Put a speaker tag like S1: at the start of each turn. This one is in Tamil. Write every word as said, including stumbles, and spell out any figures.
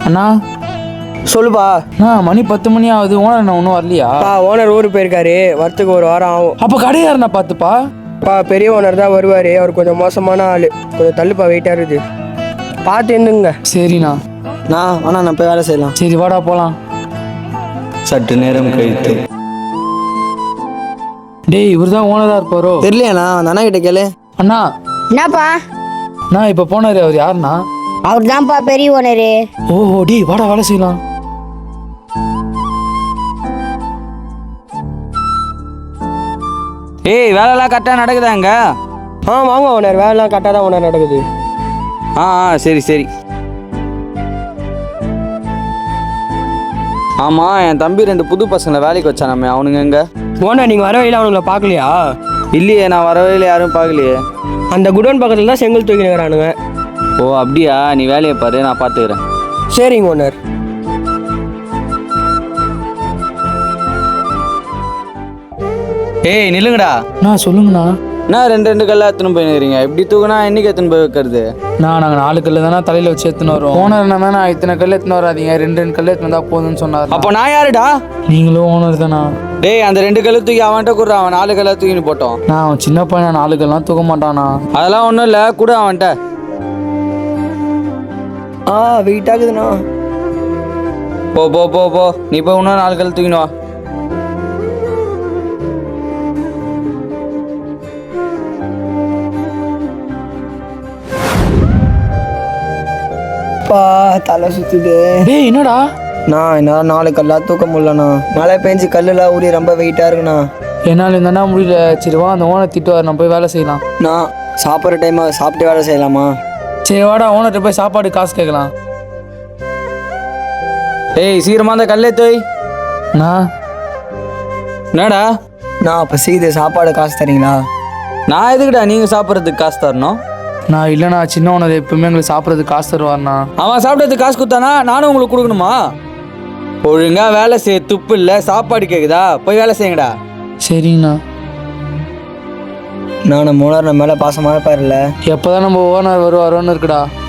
S1: அண்ணா
S2: சொல்லுப்பா.
S1: அண்ணா மணி பத்து மணி ஆகுது, ஓனர் அண்ணா ஒன்றும் வரலையா?
S2: பா ஓனர் ஊருக்கு போயிருக்காரு, வரத்துக்கு ஒரு வாரம் ஆகும்.
S1: அப்போ கடையாருண்ணா பார்த்துப்பா.
S2: பா பெரிய ஓனர் தான் வருவார், அவர் கொஞ்சம் மோசமான ஆள், கொஞ்சம் தள்ளுப்பா வெயிட்டாக இருக்குது, பார்த்து இருந்துங்க.
S1: சரிண்ணா.
S3: நான் ஆனால் நான் போய் வேலை செய்யலாம்.
S1: சரி வாடா போகலாம்.
S4: சற்று நேரம் கழித்து.
S1: டேய் இவர் தான் ஓனராக இருப்பாரோ?
S3: தெரியலையாண்ணா, அந்த அண்ணா கிட்ட கேளு.
S1: அண்ணா
S5: என்னப்பா?
S1: அண்ணா இப்போ போனாரு, அவர் யாருண்ணா?
S5: அவர் தான்ப்பா பெரிய ஓனரு.
S1: ஓஹோ டேய் வாடா வேலை செய்யலாம்.
S6: ஏய் வேலைலாம் கரெக்டாக நடக்குதாங்க?
S2: ஆ வாங்க ஓனர், வேலைலாம் கரெக்டாக தான் ஓனர் நடக்குது.
S6: ஆ ஆ சரி சரி. ஆமாம், என் தம்பி ரெண்டு புது பசங்களை வேலைக்கு வச்சானாமே, அவனுங்க எங்க?
S2: ஓனர் நீங்கள் வர வழியில் அவனுங்களை பார்க்கலையா?
S6: இல்லையே, நான் வரவே இல்லை, யாரும் பார்க்கலையே.
S2: அந்த குடோன் பக்கத்தில் தான் செங்கல் தூக்கி நிற்கிறானுங்க.
S6: ஓ அப்படியா, நீ வேலையை பாரு, நான் பார்த்துக்கிறேன்.
S2: சரிங்க ஓனர்.
S6: ஏய் நில்லுங்கடா.
S1: அண்ணா சொல்லுங்கண்ணா.
S6: நான் ரெண்டு ரெண்டு கல்லா எத்தனை போய் நிற்கிறீங்க, இப்படி தூக்குனா என்னைக்கு எத்தனை போய் வைக்கிறது?
S1: நான் நாங்கள் நாலு கல்லு தானே தலையில் வச்சு எடுத்துன்னு வரோம். ஓனர் என்ன நான் இத்தனை கல் எடுத்துன்னு வராதீங்க, ரெண்டு ரெண்டு கல் எடுத்துன்னு வந்தால் போதும்னு சொன்னார்.
S6: அப்போ நான் யாருடா?
S1: நீங்களும் ஓனர் தானா?
S6: டேய் அந்த ரெண்டு கல்லு தூக்கி அவன்கிட்ட கூட, அவன் நாலு கல்லா தூக்கின்னு போட்டோம்.
S1: நான் அவன் சின்ன பையன், நாலு கல்லாம் தூக்க மாட்டானா?
S6: அதெல்லாம் ஒன்றும் இல்லை, கூட அவன்கிட்ட.
S2: ஆ வெயிட் ஆகுதுண்ணா.
S6: போ போ போ போ நீ போய் இன்னும் நாலு கல் தூக்கின்னு வா.
S3: பா தலை சுற்றுது.
S1: டேய் என்னடா?
S3: நான் என்னால் நாலு கல்லா தூக்க முடியலண்ணா, மழை பெஞ்சு கல்லுலாம் ஊறி ரொம்ப வெயிட்டாக இருக்குண்ணா.
S1: என்னால் இருந்தா முடியல. சரி வா, அந்த ஓனர் திட்டுவார், நம்ம போய் வேலை செய்யலாம்.
S3: நான் சாப்பிட்ற டைமாக சாப்பிட்டு வேலை செய்யலாமா?
S1: சரி வாடா, ஓனர்கிட்ட போய் சாப்பாடு காசு கேட்கலாம்.
S6: டேய் சீக்கிரமா அந்த கல்லே தோய்.
S1: நான்
S6: என்னடா?
S3: நான் அப்போ செய்து சாப்பாடு காசு தரீங்களா?
S6: நான் எதுக்குடா நீங்கள் சாப்பிட்றதுக்கு காசு தரணும்?
S1: நான் இல்லைண்ணா, சின்ன ஓனர் எப்பவுமே எங்களுக்கு சாப்பிட்றதுக்கு காசு தருவார்ண்ணா.
S6: அவன் சாப்பிட்றதுக்கு காசு கொடுத்தானா நானும் உங்களுக்கு கொடுக்கணுமா? ஒழுங்கா வேலை செய்ய துப்பு இல்லை, சாப்பாடு கேட்குதா, போய் வேலை செய்யுங்கடா.
S1: சரிங்கண்ணா.
S3: நான் நம்ம ஓனர் நம்ம மேலே பாசமாக பாருல.
S1: எப்போதான் நம்ம ஓனர் வருவாரோன்னு இருக்குடா.